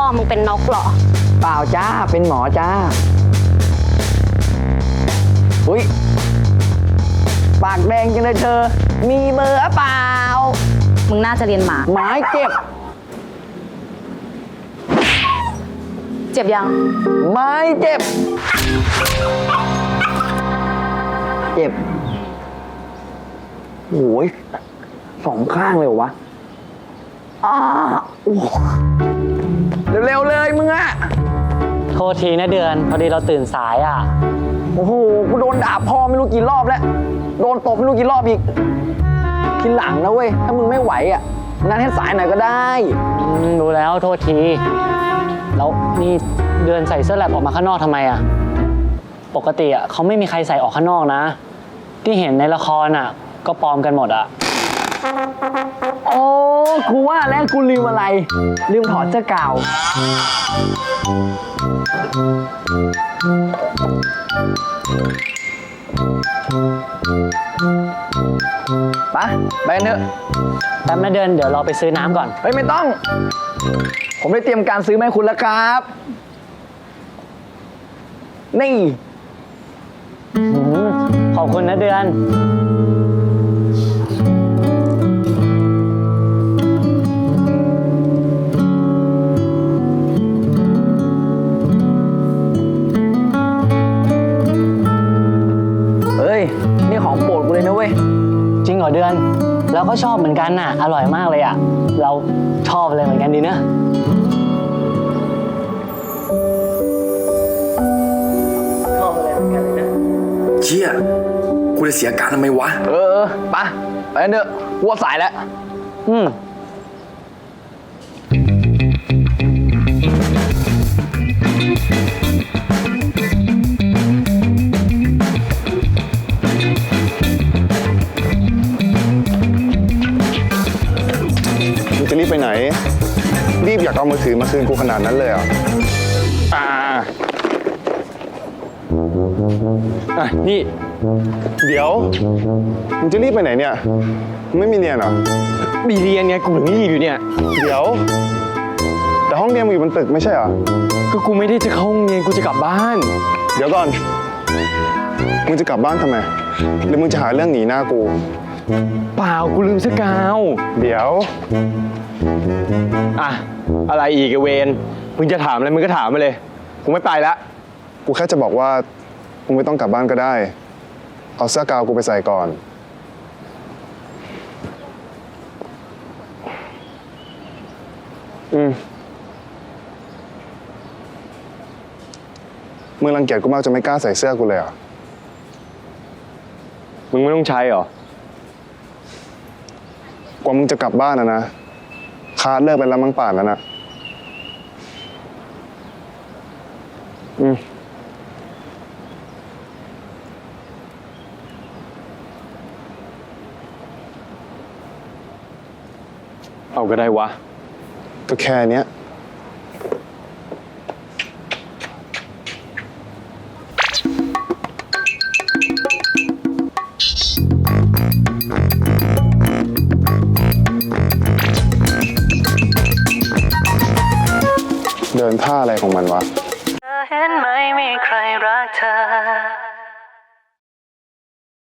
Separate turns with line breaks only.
มึงเป็นนกเหรอ
เปล่าจ้าเป็นหมอจ้าอุ้ยปากแดงจังเลยเธอมีเบอร์เปล่า
มึงน่าจะเรียนหมา
ไม้เจ็บ
เจ็บยัง
ไม้เจ็บเจ็บโอ้ยสองข้างเลยวะเร็วๆเลยมึงอะ
โทษทีนะเดือนพอดีเราตื่นสายอ่ะ
โอ้โหกูโดนด่าพ่อไม่รู้กี่รอบแล้วโดนตบไม่รู้กี่รอบอีกทีหลังนะเว้ยถ้ามึงไม่ไหวอ่ะงั้นให้สายหน่อยก็ได้
รู้แล้วโทษทีแล้วนี่เดือนใส่เสื้อแลบออกมาข้างนอกทำไมอ่ะปกติอ่ะเขาไม่มีใครใส่ออกข้างนอกนะที่เห็นในละครอ่ะก็ปลอมกันหมดอ่ะ
โอ้กูว่าแล้วกูลืมอะไรลืมถอดเสื้อกาวไปเถอะ
แป๊บนะเดือนเดี๋ยวเราไปซื้อน้ำก่อน
เฮ้ยไม่ต้องผมได้เตรียมการซื้อมาให้คุณแล้วครับนี่
ขอบคุณนะเดือน
นี่ของโปรดกูเลยนะเว้ย
จริงเหรอเดือนเราก็ชอบเหมือนกันน่ะอร่อยมากเลยอ่ะเราชอบเลยเหมือนกันดีนะชอบอะไรเหมือนกันเลยนะ
เชี่ยกูจะเสียการทำไมวะ
ไปเถอะวัวสายแล้ว
จะรีบไปไหนรีบอยากเอามือถือมาคืนกูขนาดนั้นเลยอ่ะ
นี่
เดี๋ยวมึงจะรีบไปไหนเนี่ยไม่มีเรียนเหรอ
มีเรียนไงกูถึงรีบอยู่เนี่ย
เดี๋ยวแต่ห้องเรียนมึงอยู่บนตึกไม่ใช่เหรอ
ก็กูไม่ได้จะเข้าห้องเรียนกูจะกลับบ้าน
เดี๋ยวก่อนมึงจะกลับบ้านทำไมหรือมึงจะหาเรื่องหนีหน้ากู
เปล่ากูลืมเสื้อกาว
เดี๋ยว
อะไรอีกเวนมึงจะถามอะไรมึงก็ถามมาเลยกูไม่ไปละ
กูแค่จะบอกว่ามึงไม่ต้องกลับบ้านก็ได้เอาเสื้อกาวกูไปใส่ก่อนมึงรังเกียจกูมากจนไม่กล้าใส่เสื้อกูเลยเหรอ
มึงไม่ต้องใช้หร
กว่ามึงจะกลับบ้านนะคาร์ดเลิกไปแล้วมั้งป่านแล้วนะ
เอาก็ได้วะ
ก็แค่เนี้ยเดินท่าอะไรของมันวะ
เห็นไหมมีใครรักเธอ